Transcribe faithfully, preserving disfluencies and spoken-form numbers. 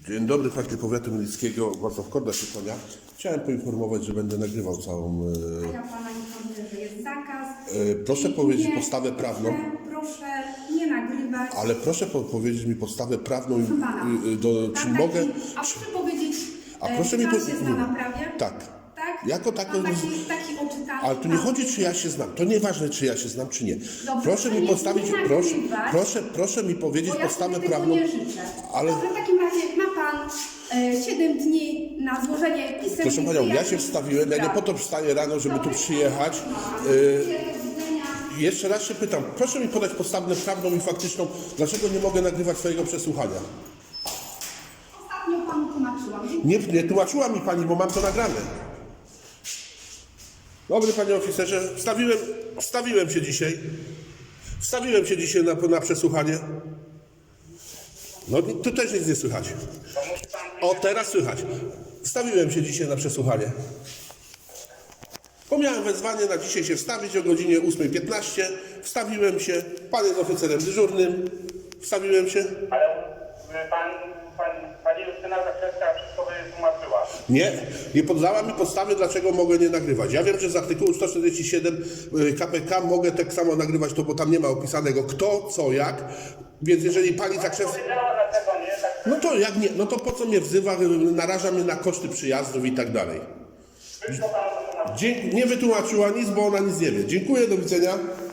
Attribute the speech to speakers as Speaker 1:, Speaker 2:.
Speaker 1: Dzień dobry, Fakty Powiatu Mielickiego, Władysław Korda się kłania. Chciałem poinformować, że będę nagrywał całą...
Speaker 2: A ja Pana informuję, że jest zakaz.
Speaker 1: E, proszę
Speaker 2: I
Speaker 1: powiedzieć
Speaker 2: nie,
Speaker 1: podstawę prawną.
Speaker 2: Proszę, proszę nie nagrywać.
Speaker 1: Ale proszę po powiedzieć mi podstawę prawną,
Speaker 2: Proszę Pana,
Speaker 1: y, y, do,
Speaker 2: tak,
Speaker 1: czy
Speaker 2: tak,
Speaker 1: mogę...
Speaker 2: A proszę powiedzieć,
Speaker 1: A
Speaker 2: e,
Speaker 1: proszę
Speaker 2: czy
Speaker 1: mi
Speaker 2: Pan
Speaker 1: po-
Speaker 2: się zna na prawie?
Speaker 1: Tak.
Speaker 2: Tak?
Speaker 1: Jako tako-
Speaker 2: Pan taki, taki oczytany.
Speaker 1: Ale tu nie
Speaker 2: pan-
Speaker 1: chodzi, czy ja się znam. To nieważne, czy ja się znam, czy nie.
Speaker 2: Dobrze,
Speaker 1: Proszę mi
Speaker 2: nie-
Speaker 1: postawić,
Speaker 2: nie
Speaker 1: proszę,
Speaker 2: nagrywać.
Speaker 1: proszę, proszę mi powiedzieć
Speaker 2: Bo ja
Speaker 1: podstawę
Speaker 2: sobie tego
Speaker 1: prawną.
Speaker 2: nie życzę.
Speaker 1: Ale-
Speaker 2: Dobrze, w takim razie ma Pan e, siedem dni na złożenie pisemnych
Speaker 1: Proszę Panią, ja się
Speaker 2: wyjaśnień
Speaker 1: wstawiłem, ja nie
Speaker 2: spraw.
Speaker 1: po to wstaję rano, żeby tu
Speaker 2: Dobrze.
Speaker 1: przyjechać.
Speaker 2: Do
Speaker 1: Y,
Speaker 2: widzenia.
Speaker 1: Jeszcze raz się pytam, proszę mi podać podstawę prawną i faktyczną, dlaczego nie mogę nagrywać swojego przesłuchania?
Speaker 2: Ostatnio Panu tłumaczyłam.
Speaker 1: Nie, nie tłumaczyła mi Pani, bo mam to nagrane. Dobry Panie Oficerze, wstawiłem, wstawiłem się dzisiaj. Wstawiłem się dzisiaj na, na przesłuchanie. No tu też nic nie słychać. O, teraz słychać. Wstawiłem się dzisiaj na przesłuchanie. Bo miałem wezwanie na dzisiaj się wstawić o godzinie ósmej piętnaście. Wstawiłem się. Pan jest oficerem dyżurnym. Wstawiłem się.
Speaker 3: Ale y, pan, pan, pani Justyna Zakrzewska wszystko wytłumaczyła.
Speaker 1: Nie, nie poddała mi podstawy, dlaczego mogę nie nagrywać. Ja wiem, że z artykułu sto czterdzieści siedem K P K mogę tak samo nagrywać to, bo tam nie ma opisanego kto, co, jak. Więc jeżeli pani Zakrzewska...
Speaker 3: Powiedziała dlaczego nie, tak
Speaker 1: No to jak nie, no to po co mnie wzywa, naraża mnie na koszty przyjazdów i tak dalej.
Speaker 3: wszystko panu wytłumaczyła.
Speaker 1: Dzie- nie wytłumaczyła nic, bo ona nic nie wie. Dziękuję, do widzenia.